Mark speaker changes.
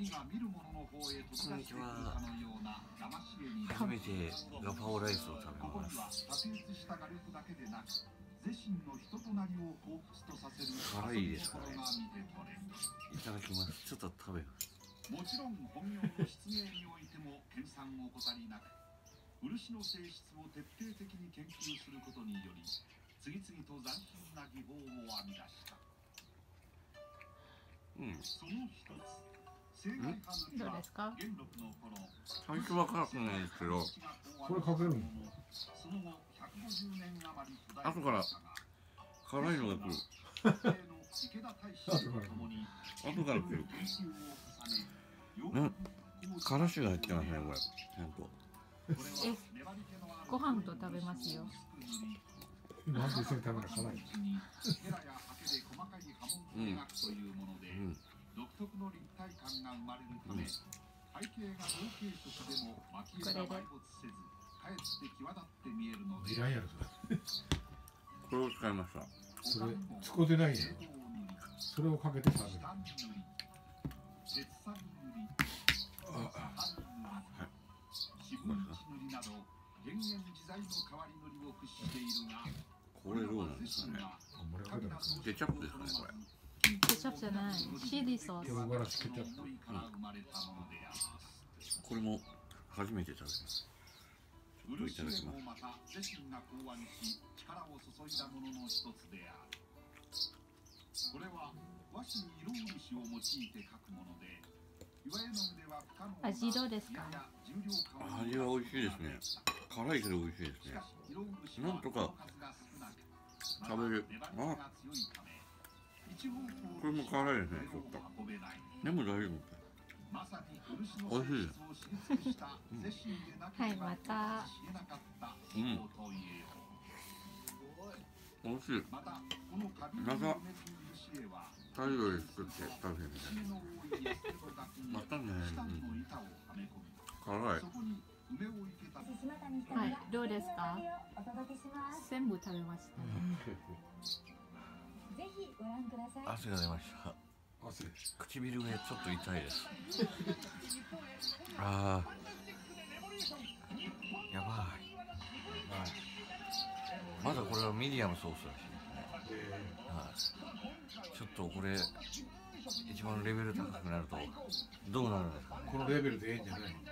Speaker 1: こんにちは。初めてガパオライスを食べます。辛いですかね。いただきます。ちょっと食べます。もちろん本業の出芸においても研鑽を怠りなく、漆の性質を徹底的に研究することにより、次々と斬新な技法を編み出した。その一つ、正解派塗りは元禄の頃、最初は辛くないですけど、
Speaker 2: これかけるの？
Speaker 1: その後150年余り後から辛いのが来る。後から来る。からしが入ってますね、これ。ちゃんと。
Speaker 3: ご飯と食べますよ。
Speaker 2: なんで一緒に食べるの辛い？
Speaker 1: 独特の立体感が生まれるため、背景が同系色でも蒔絵が埋没せず、かえって際立って見えるので。
Speaker 2: いらんやろそれ。
Speaker 1: これを使いました。
Speaker 2: それ使ってないやろ。それをかけて食べる。
Speaker 1: これどうなんですかね。ケチャップですかね、これ。
Speaker 3: ケチャップじゃない、チリソース。
Speaker 2: 唐辛子ケチャップ。
Speaker 1: これも初めて食べます。ちょっといただきます。これは和紙に色漆を用いて描くもので、
Speaker 3: 味どうですか？
Speaker 1: 味は美味しいですね。辛いけど美味しいですね。なんとか食べる。あ、これも辛いですね、ちょっと。でも大丈夫。美味しいです。
Speaker 3: はい、また。
Speaker 1: 美味しい。またタイ料理作って食べてみたい。またね。辛い。
Speaker 3: はい、どうですか？全部食べました。
Speaker 4: ぜひご覧ください。
Speaker 1: 汗が出ました。唇がちょっと痛いです。ああ、やばい。まだこれはミディアムソースらしいですね。ちょっとこれ一番レベル高くなるとどうなるんですかね。
Speaker 2: このレベルでいいんじゃないの？